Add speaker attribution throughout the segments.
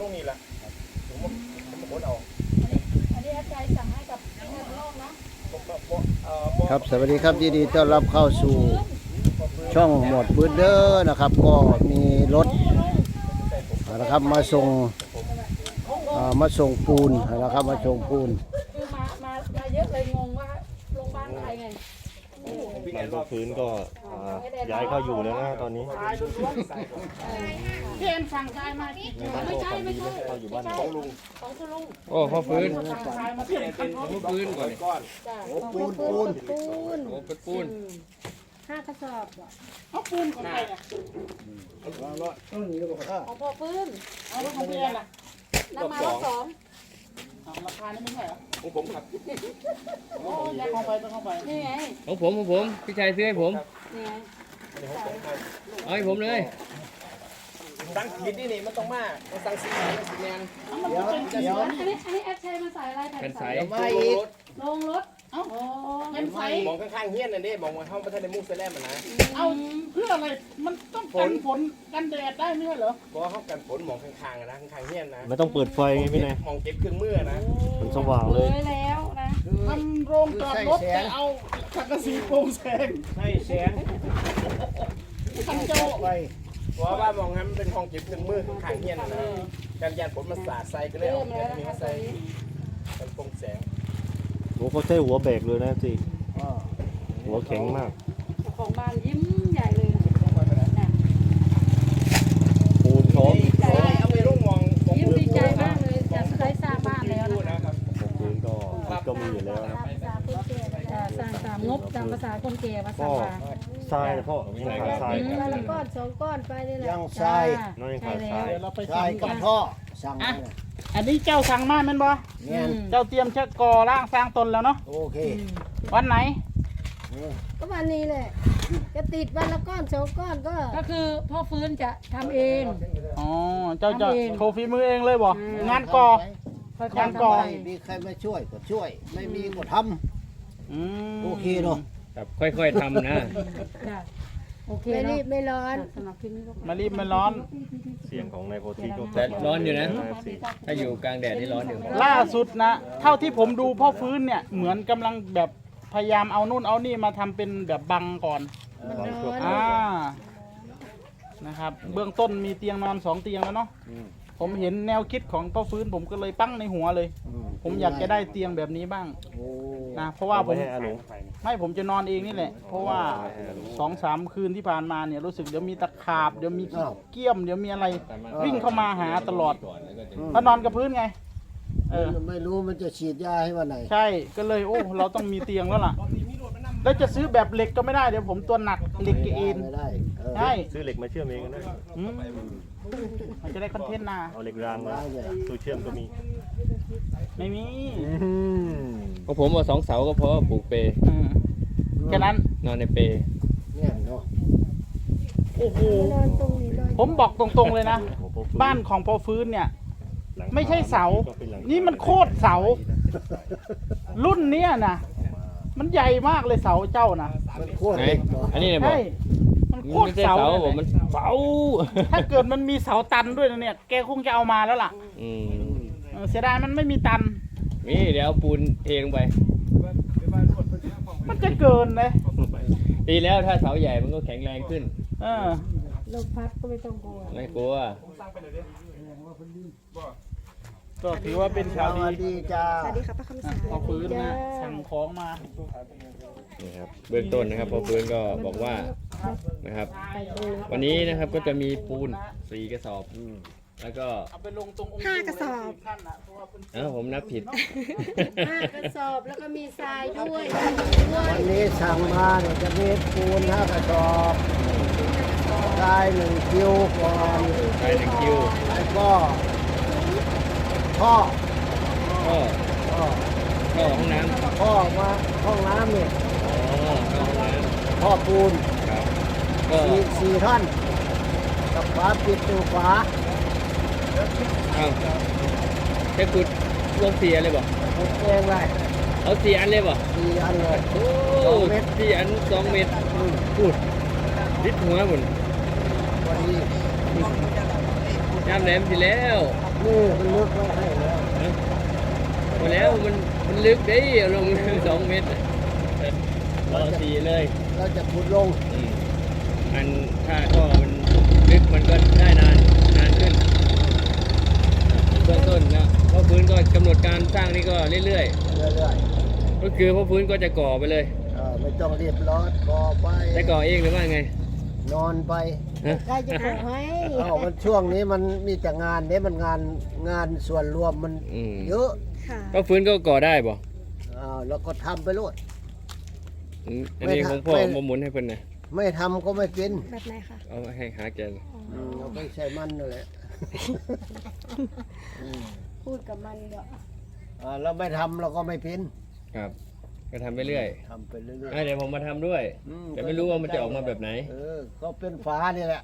Speaker 1: ลงนี่แหละผมขนเอา
Speaker 2: อันนี้อาจารย์สั่งให้กับแม่โลกนะ
Speaker 3: ครับสวัสดีครับยินดีต้อนรับเข้าสู่ช่องหมวดปืนเด้อนะครับ ก็มีรถนะครับมาส่งปูนนะครับมาส่งปูน
Speaker 2: คือมาเยอะเลยงงว่าโรงพยาบาลใครไง
Speaker 4: มันก็พื้นก็ย้ายเข้าอยู่แล้วนะตอนนี้
Speaker 2: พี่เอ็มสั่งชายมา
Speaker 4: ไม่ใช่ไม่ใช่เข้าอยู่บ้านของลุง
Speaker 2: ของคุณลุง
Speaker 5: โอ้พ่อฟื้น
Speaker 2: สั่งชายมาเปลี่ยนคัน
Speaker 5: พ่อฟื้นก่อน
Speaker 2: จ้ะ
Speaker 3: โอ้ปูน
Speaker 5: โอ้เป็นปูน
Speaker 2: 5 กระสอบ
Speaker 6: เอาปูนของใครเนี่ย
Speaker 2: ของพ่อฟื้น
Speaker 6: เอารถของพี่แอนล่ะ
Speaker 2: น้ำมารถ2
Speaker 6: ราคานี่ไม่ใช่เหรอ
Speaker 1: ของผมครับ
Speaker 6: โอ้ยเข้าไปต้องเข้าไป
Speaker 2: นี่ไง
Speaker 5: ของผมพี่ชายซื้อให้ผม
Speaker 2: นี่ไง
Speaker 5: เอาให้ผมเลย
Speaker 1: สั่งผิดนี่มันต้องมาสั่งสีแมน
Speaker 3: เดี๋ยว
Speaker 2: อันนี้แอปใช้มาใส่อะไรแผ่นใส
Speaker 3: มาอีก
Speaker 2: ลงรถ
Speaker 6: เอ้าเป็นไฟ
Speaker 1: มองข้างๆเฮี้ยนนั่นดิมองมาเข้าประเทศในมุกเซเลมนะ
Speaker 6: เอาเพื่ออะไรมันต้องกันฝนกันแดดได้ไม่ใช่เหรอ
Speaker 1: เพราะเข้ากันฝนมองข้างๆนะข้างๆเฮี้ยนนะ
Speaker 4: ไม่ต้องเปิดไฟไงพี่นาย
Speaker 1: มองเก็บเครื่องมือนะ
Speaker 4: มันสว่างเลย
Speaker 2: แล้วนะ
Speaker 6: ทำโรงจอดรถแต่เอาสังกะสีโปร่งแสง
Speaker 1: ใช่แสง
Speaker 6: คันเจ้า
Speaker 3: ไป
Speaker 1: เพราะว่ามองให้มันเป็นห้องเก็บเครื่องมือข้างๆเฮี้ยนนะการยานฝนมันสาดใส่ก็เลย
Speaker 2: เริ่
Speaker 1: เอา
Speaker 2: ม
Speaker 1: แบ
Speaker 2: แล้ว
Speaker 1: บ
Speaker 2: นะ
Speaker 1: นี้
Speaker 2: คะตอ
Speaker 1: ใส่
Speaker 2: นนี้
Speaker 1: เป็นโปร่งแสง
Speaker 4: โอ้เขาใช้หัวแบกเลยนะสิหัวแข็งมาก
Speaker 2: เจ้าของบ้านยิ้มใหญ่เลยนะ
Speaker 4: ปูนพร้อม
Speaker 2: ดีใจ
Speaker 1: เอาไปลูกมอง
Speaker 2: ยิ้มดีใจมากเลยจะได้สร้างบ้านแล้วนะ
Speaker 1: นะครับ
Speaker 4: พื้นก็มีอยู่แล้วนะ
Speaker 2: ภาษาคนแก่สร้างตามงบตามภาษาคนแก่ภาษา
Speaker 4: ก็
Speaker 2: ว่า
Speaker 4: ทรายนะพ่อยังขาดทราย
Speaker 7: วันละก้อน2 ก้อนไปนี่แหละ
Speaker 3: ยังทราย
Speaker 4: น้อยยังขาดทราย
Speaker 6: เดี๋ยวเราไป
Speaker 3: ทราย
Speaker 6: ทำ
Speaker 3: กั
Speaker 6: กับ น
Speaker 3: ท่อสั่งมา
Speaker 6: อันนี้เจ้าสั่งมาแม่นบ่
Speaker 3: เนี่ย
Speaker 6: เจ้าเตรียมชักก่อร่างสร้างตนแล้วเนาะ
Speaker 3: โอเค
Speaker 6: วันไหน
Speaker 7: ก็วันนี้แหละจะติดวันละก้อน2 ก้อนก็
Speaker 2: ก็คือพ่อฟื้นจะทำเอง
Speaker 6: อ๋อเจ้าจะ
Speaker 2: ทำเอง
Speaker 6: โชว์ฝีมือเองเลยบ่งานก่อ
Speaker 2: ค่อย
Speaker 6: ยัง
Speaker 2: ๆ
Speaker 6: ก่อน
Speaker 2: ทำไป
Speaker 3: มีใครมาช่วยก็ช่วย ไม่มีก็ท
Speaker 6: อืม
Speaker 3: ำโอเคเนาะ
Speaker 5: ครับค่อยๆทำนะ
Speaker 2: จ้ะโอเค
Speaker 7: ไม่
Speaker 2: เนาะ
Speaker 7: รีบไม่ร้อน
Speaker 2: สำหรับคลิปนี้ก็
Speaker 6: มารีบไม่ร้อน
Speaker 4: เสียงของนายโพธิก็
Speaker 5: แต่ร้อนอยู่นะ
Speaker 4: สิ
Speaker 5: ถ้าอยู่กลางแดดนี่ร้อนอยู่
Speaker 6: ล่าสุดนะ เท่าที่ผมดูพ่อฟื้นเนี่ยเหมือนกำลังแบบพยายามเอานู่นเอานี่มาทำเป็นแบบบังก่อน
Speaker 7: มันร้อน
Speaker 6: นะครับ เบื้องต้นมีเตียงนอน2 เตียงแล้วเนาะผมเห็นแนวคิดของพ่อฟื้นผมก็เลยปั้งในหัวเลย ผมอยากจะได้เตียงแบบนี้บ้าง
Speaker 3: โอ้
Speaker 6: นะเพราะว่าผม
Speaker 4: ให้อาหลง
Speaker 6: ไม่ผมจะนอนเองนี่แหละ เพราะว่า2-3 คืนที่ผ่านมาเนี่ยรู้สึกเดี๋ยวมีตะขาบเดี๋ยวมีเกี้ยมเดี๋ยวมีอะไรวิ่งเข้ามาหาตลอดเพราะนอนกับพื้นไง
Speaker 3: ไม่รู้มันจะฉีดยาให้วันไหน
Speaker 6: ใช่ก็เลยโอ้เราต้องมีเตียงแล้วล่ะ แล้วจะซื้อแบบเหล็กก็ไม่ได้เดี๋ยวผมตัวหนักเหล็กเอ็น
Speaker 3: ไม่ได้เออ
Speaker 6: ใช่
Speaker 4: ซื้อเหล็กมาเชื่อมเองก็ได้
Speaker 6: อืมมันจะได้คอนเทนต์นะ
Speaker 4: เอาเหล็กรางมาตู้เชื่อมก็มี
Speaker 6: ไม่มี
Speaker 5: ของผมเอา2 เสาก็พอปลูกเป
Speaker 6: อืมแค่นั้น
Speaker 5: นอนในเป
Speaker 3: เนี่ยเนาะ
Speaker 6: โอ้โห
Speaker 7: นอนตรงนี้นอน
Speaker 6: ผมบอกตรงๆเลยนะ บ้านของพ่อฟื้นเนี่ย ไม่ใช่เสา นี่มันโคตรเสา รุ่นเนี้ยนะมันใหญ่มากเลยเสาเจ้านะ
Speaker 3: มันโคตร
Speaker 5: ไหน
Speaker 3: เล็กเนาะ
Speaker 5: อันนี้เนี่ยบอ
Speaker 6: ใช่
Speaker 5: ก
Speaker 6: มันโค
Speaker 5: มัน
Speaker 6: ตร
Speaker 5: ไม่ใช่
Speaker 6: เสา
Speaker 5: เสา
Speaker 6: เลย
Speaker 5: ผมมันเสา
Speaker 6: ถ้าเกิดมันมีเสาตันด้วยนะเนี่ย แกคงจะเอามาแล้วล่ะ
Speaker 5: อืม
Speaker 6: เสียดายมันไม่มีตัน
Speaker 5: นี่เดี๋ยวเอาปูนเทลงไป
Speaker 6: มันจะเกินเลย
Speaker 5: ดีแล้วถ้าเสาใหญ่มันก็แข็งแรงขึ้น
Speaker 6: เออ
Speaker 7: ลมพัดก็ไม่ต้องกลัว
Speaker 5: ไม่กลัว
Speaker 6: ก็ถือว่าเป็น
Speaker 3: ส
Speaker 6: ข่าว
Speaker 3: วัส
Speaker 6: ดี
Speaker 3: ดีจ้า
Speaker 6: พอฟื้นนะสั่งของมา
Speaker 5: นี่ครับเบื้องต้นนะครับพอฟื้นก็บอกว่านะครับ วันนี้นะครับก็จะมีปูน4 กระสอบ แล้วก็
Speaker 6: เอาไปลงตรงองค์
Speaker 7: 5 กระสอบ
Speaker 6: ท่านนะเพราะว่าเป็น
Speaker 5: ผมนับผิด
Speaker 7: 5 กระสอบแล้วก็มีทรายด้วย
Speaker 3: วันนี้สั่งมาเนี่ยจะมีปูน5 กระสอบทราย1 คิวก่อน
Speaker 5: ไปหนึ่งคิว
Speaker 3: แล้วก็ท่อ
Speaker 5: ก็
Speaker 3: ท่อ
Speaker 5: เข้าห้องน้ำ
Speaker 3: ท่อมาห้องน้ำเนี่ย
Speaker 5: เข้าห้องน้
Speaker 3: ท่อปูน
Speaker 5: ำครับก็
Speaker 3: สี่ท่อนกับฝาปิดตัวฝา
Speaker 5: เอาแค่ขุดรวม4 อันเลยบ่
Speaker 3: ผมเองเลย
Speaker 5: เอา4 อันเลยบ่
Speaker 3: 4 อันเลย
Speaker 5: โอ้
Speaker 3: 2 เมตร
Speaker 5: 4 อัน 2 เมตรพูดลิดหัวบุญ
Speaker 3: พอดี
Speaker 5: แค่จ้ำแหลมสิแล้ว
Speaker 3: นี่มันลึกไว้ให้แล้ว
Speaker 5: หมดแล้วมันลึกดิเอาลง 2 เมตรรอสีเลย
Speaker 3: เราจะขุดลง
Speaker 5: มันถ้าก็มันลึกมันก็ได้นานขึ้นเบื้องต้นนะเพราะพื้นก็กำหนดการสร้างนี่ก็เรื่อย
Speaker 3: เรื่อย
Speaker 5: ๆก็คือเพราะพื้นก็จะก่อไปเลย
Speaker 3: ๆไม่ต้องรีบร้อนก่อไป
Speaker 5: จะก่อเองหรือว่าไง
Speaker 3: นอนไป
Speaker 7: ใครจะบอกให้
Speaker 3: มันช่วงนี้มันมีแต่งานเนี่ยมันงานส่วนรวมมัน
Speaker 5: อืม
Speaker 3: เยอะ
Speaker 7: ค่ะ
Speaker 5: ก็พื้นก็ก่อได้บ่
Speaker 3: แล้วก็ทำไปรวด
Speaker 5: อันนี้ของพ่อ
Speaker 3: ไม่
Speaker 5: มาหมุนให้เพิ่นนะ
Speaker 3: ไม่ทำก็ไม่กิน
Speaker 7: แบบไหนคะ
Speaker 5: เอาให้หาแกน
Speaker 3: เราไปใช้มันนั่นแหละ
Speaker 7: พูดกับมันเดี๋ยว
Speaker 3: เราไม่ทำเราก็ไม่เป็น
Speaker 5: ครับ ก็ทำไปเรื่อย
Speaker 3: ทำไปเรื่อย
Speaker 5: เดี๋ยวผมมาทำด้วย แต่ไม่รู้ว่ามันจะออกมาแบบไหน
Speaker 3: ก็เป็นฟ้านี่แหละ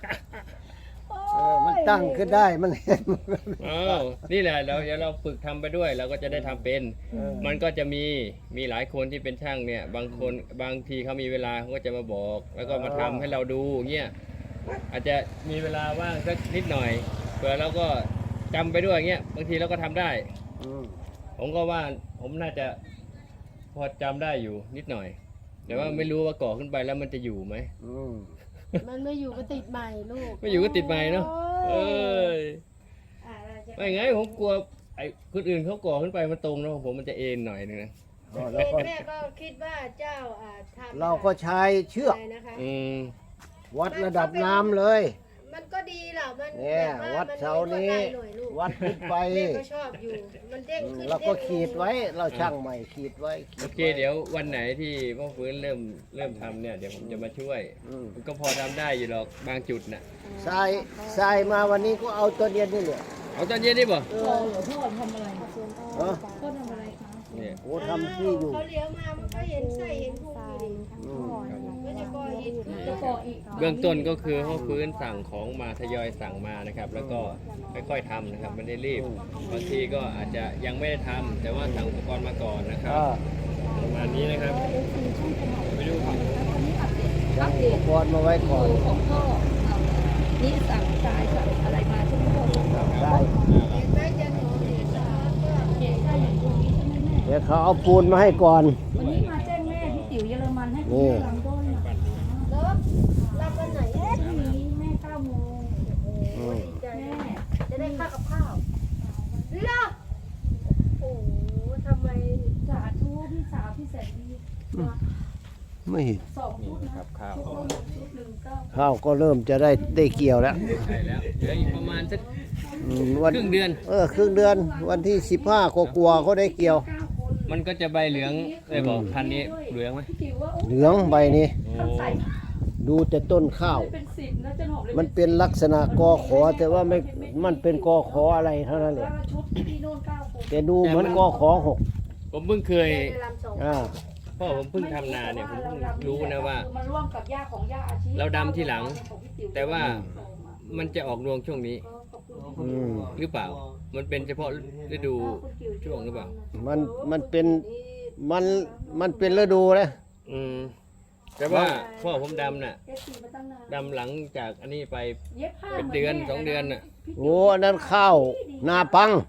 Speaker 3: มันตั้งขึ้นได้มันเห็น
Speaker 5: อ้าวนี่แหละเดี๋ยวเราฝึกทำไปด้วยเราก็จะได้ทำเป็น มันก็จะมีหลายคนที่เป็นช่างเนี่ย บางทีเขามีเวลาเขาก็จะมาบอก แล้วก็มาทำให้เราดูเงี้ยอาจจะมีเวลาว่างสักนิดหน่อยเผื่อเราก็จำไปด้วยเงี้ยบางทีเราก็ทำได้ ผมก็ว่าผมน่าจะพอจำได้อยู่นิดหน่อย แต่ว่าไม่รู้ว่าก่อขึ้นไปแล้วมันจะอยู่ไหม
Speaker 7: มันไม่อยู่ก็ติดใหม่ลูก
Speaker 5: ไม่อยู่ก็ติดไม้เนาะเอ้ย
Speaker 7: เราจะ
Speaker 5: ไม่ไงผมกลัวไอ้คนอื่นเขาก่อขึ้นไปมันตรงแล้วของผมมันจะเอ็นหน่อยนึงนะ
Speaker 7: เป็นแม่ก็คิดว่าเจ้าทำ
Speaker 3: เราก็ใช้เชือก
Speaker 7: อะไรนะคะ
Speaker 3: วัดระดับน้ำเลย
Speaker 7: มันก็ดีแหละมัน
Speaker 3: เนี่ย
Speaker 7: แบบ
Speaker 3: วัดเสานี้
Speaker 7: มัไม่กดดัหน่อยลูก
Speaker 3: วัดขึ้นไป
Speaker 7: แม่ก็ชอบอยู่ มันเด้งขึ้น
Speaker 3: เราก็
Speaker 7: เด้งลง
Speaker 3: ขีดไว้ เราช่างใหม่ขีดไว้
Speaker 5: โอเคเดี๋ยววันไหนที่พ่อฟื้นเริ่มทำเนี่ยเดี๋ยวผมจะมาช่วยมันก็พอทำได้อยู่หรอกบางจุดน่ะ
Speaker 3: ทรายมาวันนี้ก็เอาตัวเดียวนี่แหละ
Speaker 5: เอาตอนเย็นนี่บ่
Speaker 2: พ่อทำอะไร
Speaker 3: เออ
Speaker 2: พ่อทำอะไรคะ
Speaker 5: เนี่ย
Speaker 3: โอ้ทำที่อยู่
Speaker 7: เขาเลี้ยวมามันก็เห็นไส้เห็นพุงอยู่ดิก็จะก่ออิฐ
Speaker 2: จะก่ออีก
Speaker 5: เบื้องต้นก็คือพ่อฟื้นสั่งของมาทยอยสั่งมานะครับ แล้วก็ค่อยๆทำนะครับไม่ได้รีบบางทีก็อาจจะยังไม่ได้ทำแต่ว่าสั่งอุปกรณ์มาก่อนนะครับประมาณนี้นะครับไปดูครับ
Speaker 3: สั่งอุปกรณ์มาไว้ก่อน
Speaker 2: ของพ่อนี่สั่งทรายสั่งอะไรมาใช่ไหมพ่อ
Speaker 3: ได้
Speaker 7: เห็นไหมจะหนูเห็นสารก็
Speaker 2: เจ๊ใช่อย่างตรงนี้ใช่ไหมแม่
Speaker 3: เดี๋ยวเขาเอาปูนมาให้ก่อน
Speaker 2: วันนี้มาแจ้งแม่ที่ติ๋วเยอรมันให้
Speaker 3: นี่
Speaker 2: ลำต้น
Speaker 7: เลิกรับวันไหน
Speaker 2: พรุ่งนี้แม่9 โมง
Speaker 7: ดีใจ
Speaker 2: แม่
Speaker 7: จะได้ค่ากับข้าวเลิกโอ้ทำไม
Speaker 2: สาธุพี่สาวพี่แสนดี
Speaker 3: ไม่เห็น
Speaker 2: 2 ชุดนะ
Speaker 5: ข้าว
Speaker 2: ชุดละชุดหนึ่งก็
Speaker 3: ข้าวก็เริ่มจะได้เกี่ยวแล้ว
Speaker 5: ใช่แล้วเหลืออีกประมาณสัก
Speaker 3: วัน
Speaker 5: ครึ่งเดือน
Speaker 3: ครึ่งเดือนวันที่15ก็กลัวเขาได้เกี่ยว
Speaker 5: มันก็จะใบเหลืองเลยบอกพันธุ์นี้เหลืองไหม
Speaker 2: พี่ติ๋วว่าโอ้
Speaker 3: เหลืองใบนี้
Speaker 5: โอ้
Speaker 2: ใส่
Speaker 3: ดูแต่ต้นข้าว
Speaker 2: เป็น10นะจะหอบเลย
Speaker 3: มันเป็นลักษณะกอขอแต่ว่าไม่มันเป็นกอขออะไรเท่านั้นแหละ
Speaker 2: ชุดที่โน่น9 คน
Speaker 3: แต่ดูเหมือนกอขอ6
Speaker 5: ผมเพิ่งเคย
Speaker 7: ได้ลำสอง
Speaker 5: พ่อผมเพิ่งทำนาเนี่ยผมเพิ่งรู้นะว่า
Speaker 2: มันร่วมกับย่าของย่าอาชี
Speaker 5: เราดำที่หลัง แต่ว่ามันจะออกรวงช่วงนี้ หรือเปล่า มันเป็นเฉพาะฤดูช่วงหรือเปล่า
Speaker 3: มันเป็นมันเป็นฤดูนะ
Speaker 5: แต่ว่าพ่อผมดำน่ะ
Speaker 2: เอฟซีมาตั้งนาน
Speaker 5: ดำหลังจากอันนี้ไป
Speaker 2: เย็บผ้า
Speaker 5: เป็นเดือน2 เดือนน่ะ
Speaker 3: โอ้อันนั้นข้าวนาปัง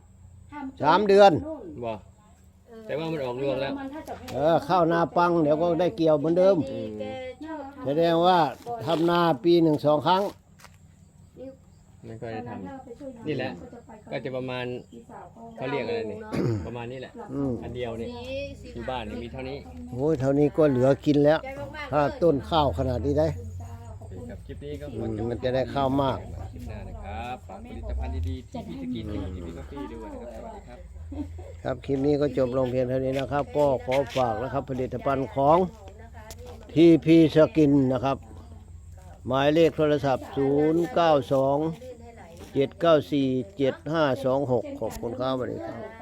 Speaker 3: 3 เดือน
Speaker 5: บ่แต่ว่ามันออกรวงแล้ว
Speaker 3: ข้าวนาปังเดี๋ยวก็ได้เกี่ยวเหมือนเดิม
Speaker 7: แกชอบ
Speaker 3: แสดงว่าทำนาปี1-2 ครั้ง
Speaker 5: ไม่ค่อยได้ทำนี่แหละ ก็จะประมาณเขาเรียกอะไรนี่ ประมาณนี้แหละ อันเดียวนี่
Speaker 7: สี
Speaker 5: ที่บ้านนี่มีเท่านี้
Speaker 3: โอ้ยเท่านี้ก็เหลือกินแล้ว
Speaker 7: ใจมากๆ
Speaker 3: ถ้าต้นข้าวขนาดนี้ได้
Speaker 5: กับคลิปนี้ก็ขอจบ
Speaker 3: มันจะได้ข้าวมาก
Speaker 5: คลิปหน้านะครับฝากผลิตภัณฑ์ดีๆที่พี่สกินที่พี่กาแฟด้วยนะครับ สวัสดีครับ
Speaker 3: ครับคลิปนี้ก็จบลงเพียงเท่านี้นะครับ ก็ขอฝากนะครับผลิตภัณฑ์ของ TP สกินนะครับ หมายเลขโทรศัพท์ 092 794 7526 ขอบคุณครับสวัสดีครับ